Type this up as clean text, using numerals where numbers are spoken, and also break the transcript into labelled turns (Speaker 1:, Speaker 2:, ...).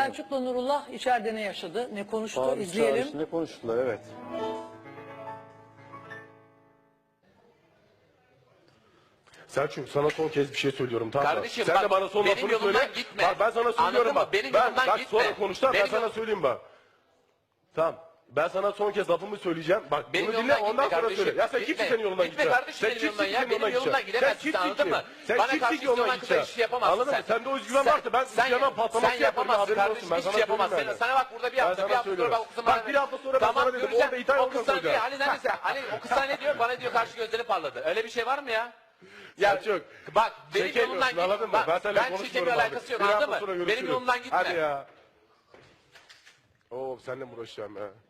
Speaker 1: Selçuk'la Nurullah içeride ne yaşadı, ne konuştu
Speaker 2: Bağırış
Speaker 1: izleyelim.
Speaker 2: çağrışında konuştular, evet.
Speaker 3: Selçuk, sana son kez bir şey söylüyorum, tamam mı?
Speaker 4: Kardeşim,
Speaker 3: Sen
Speaker 4: bak,
Speaker 3: de bana son
Speaker 4: benim
Speaker 3: lafını
Speaker 4: yolumdan
Speaker 3: söyle.
Speaker 4: gitme.
Speaker 3: Bak ben sana söylüyorum
Speaker 4: Anladın mı?
Speaker 3: bak.
Speaker 4: Benim
Speaker 3: Ben
Speaker 4: yolumdan
Speaker 3: bak
Speaker 4: gitme.
Speaker 3: sonra konuşacağım, ben
Speaker 4: Benim
Speaker 3: sana
Speaker 4: yol-
Speaker 3: söyleyeyim bak. Tamam. Ben sana son kez lafımı söyleyeceğim. Bak
Speaker 4: Benim
Speaker 3: bunu dinle,
Speaker 4: yolumdan
Speaker 3: ondan
Speaker 4: gitme
Speaker 3: sonra
Speaker 4: kardeşim.
Speaker 3: söyle. Ya sen
Speaker 4: Gitme.
Speaker 3: kimsin senin yolundan
Speaker 4: Gitme
Speaker 3: gideceğim?
Speaker 4: kardeşim
Speaker 3: Sen
Speaker 4: benim
Speaker 3: kimsin
Speaker 4: yolumdan ya.
Speaker 3: senin
Speaker 4: Benim yolumdan gidemezsin,
Speaker 3: Sen
Speaker 4: anladın mı?
Speaker 3: Sen
Speaker 4: Bana
Speaker 3: kimsin
Speaker 4: karşı
Speaker 3: ki yolundan
Speaker 4: istiyorsan kısa
Speaker 3: gideceksin?
Speaker 4: iş yapamazsın
Speaker 3: Anladın
Speaker 4: sen.
Speaker 3: mı? Sende o özgüven varsa ben özgüven patlaması
Speaker 4: sen
Speaker 3: yaparım.
Speaker 4: yapamazsın
Speaker 3: Haberin olsun.
Speaker 4: kardeşim.
Speaker 3: Ben
Speaker 4: Hiçbir
Speaker 3: sana
Speaker 4: şey yapamazsın.
Speaker 3: söyleyeyim
Speaker 4: Sana bak burada bir hafta, bir hafta sonra bak o kızın
Speaker 3: Bak bir hafta sonra ben sana dedim.
Speaker 4: Tamam,
Speaker 3: Orada İtalya
Speaker 4: göreceğim.
Speaker 3: oradan
Speaker 4: O kız sana diyor,
Speaker 3: soracağım.
Speaker 4: hani o kız sana ne diyor? Bana diyor karşı gözleri parladı. Öyle bir şey var mı ya? Ya
Speaker 3: Selçuk,
Speaker 4: bak benim
Speaker 3: çekemiyorsun,
Speaker 4: yolumdan git.
Speaker 3: anladın mı?
Speaker 4: Bak,
Speaker 3: Ben seninle
Speaker 4: ben
Speaker 3: konuşmuyorum
Speaker 4: çekemiyor,
Speaker 3: abi.
Speaker 4: alakası yok,
Speaker 3: Bir hafta
Speaker 4: anladın
Speaker 3: sonra
Speaker 4: mı? Benim
Speaker 3: görüşürüz.
Speaker 4: yolumdan gitme.
Speaker 3: Hadi ya. Oo seninle mi uğraşacağım ya?